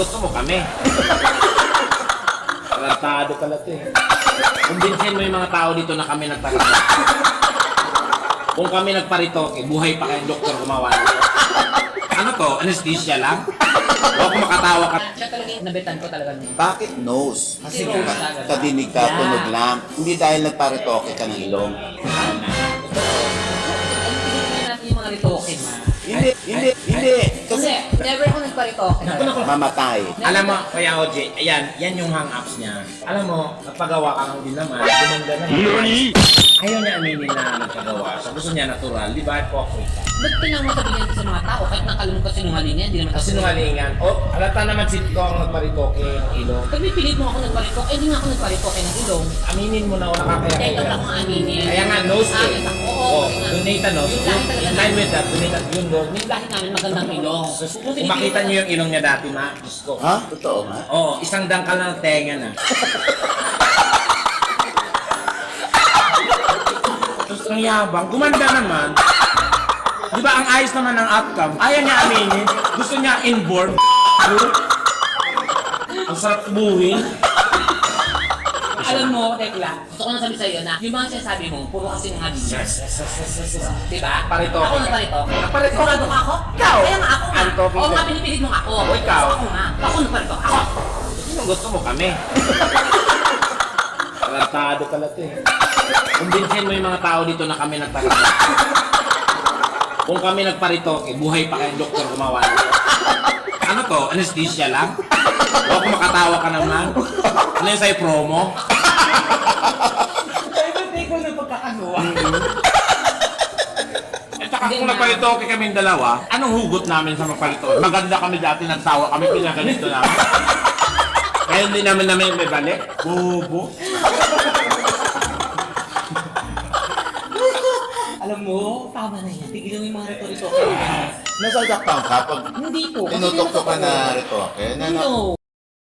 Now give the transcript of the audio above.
Gusto mo kami. Tarantado pala ito eh. Kumbinsin mo yung mga tao dito na kami nagparitoke. Kung kami nagparitoke, buhay pa kayong doktor gumawa nito. Ano to? Anesthesia lang? O kung makatawa ka. Siya talaga yung nabitan ko talaga nung. Bakit nose? Kasi Kasi nose talaga. kadinig ka, Yeah. tunog lang. Hindi dahil nagparitoke ka ng ilong. Ang tingin natin yung mga ritoke, ma. Hindi. Kasi Kasi never ako nagparitoke. mamatay. Alam mo, Kuya OJ, yan yung hang-ups niya. Alam mo, napagawa ka ng din naman, gumanda na yun. Ayaw niya aminin na nagpagawa. So gusto niya natural, di ba? Hypocrite. Ba't tinang mo sabihin sa mga tao kahit nakalunod ka sinungalingan, hindi naman Kasi sinungalingan. O, alata naman si ko ang nagparitoke ng ilong. Pag may pilit mo ako nagparitoke, hindi nga ako nagparitoke ng ilong. Aminin mo na wala ka kaya Dahil lang akong aminin. Kaya nga, nose Ah, eh. yes, ako. Oo, Oo, nga. donate a nose. Yung lahi talaga In line with that, donate a yung nose. Yung lahi namin magandang ilong. Kung makita niyo yung ilong niya dati, ma, Diyos ko. Ha? Totoo nga? Oo, isang dangkal na tenga na. Tapos ang yabang, gumanda naman. Di ba ang ayos naman ng outcome? Ayaw niya aminin. Gusto niya inboard. Ang sarap buhin. Alam mo, Tekla, gusto ko na sabi sa'yo na yung mga sinasabi mo, puro kasi nga Yes. Diba? Paritoke. Ako nagparitoke. Nagparitoke. Sigurado ka ako? Ikaw. Kaya nga ako nga. Paritoke Oo ka. nga, pinipilit mo nga ako. O, ikaw. Ako nga. Ako nagparitoke. Ako. Sino gusto mo kami? Tarantado pala ito eh. Kumbinsin mo yung mga tao dito na kami nagparitoke. Kung kami nagparitoke, buhay pa kayong doktor gumawa nito. Ano to? Anesthesia lang? O kung makatawa ka naman? Ano yung sa'yo promo? Ay, ba't ikaw na pagkakagawa? At saka kung nagparitoke kaming dalawa, anong hugot namin sa magparitoke? Maganda kami dati, nagsawa kami, pinaganito namin. Kaya hindi namin may balik. Bobo. Alam mo, tama na yan. Tigilan mo yung mga rito-rito. Nasasaktan ka pag Hindi po. Kasi tinutok ka tinutoko na ko. ritoke? No.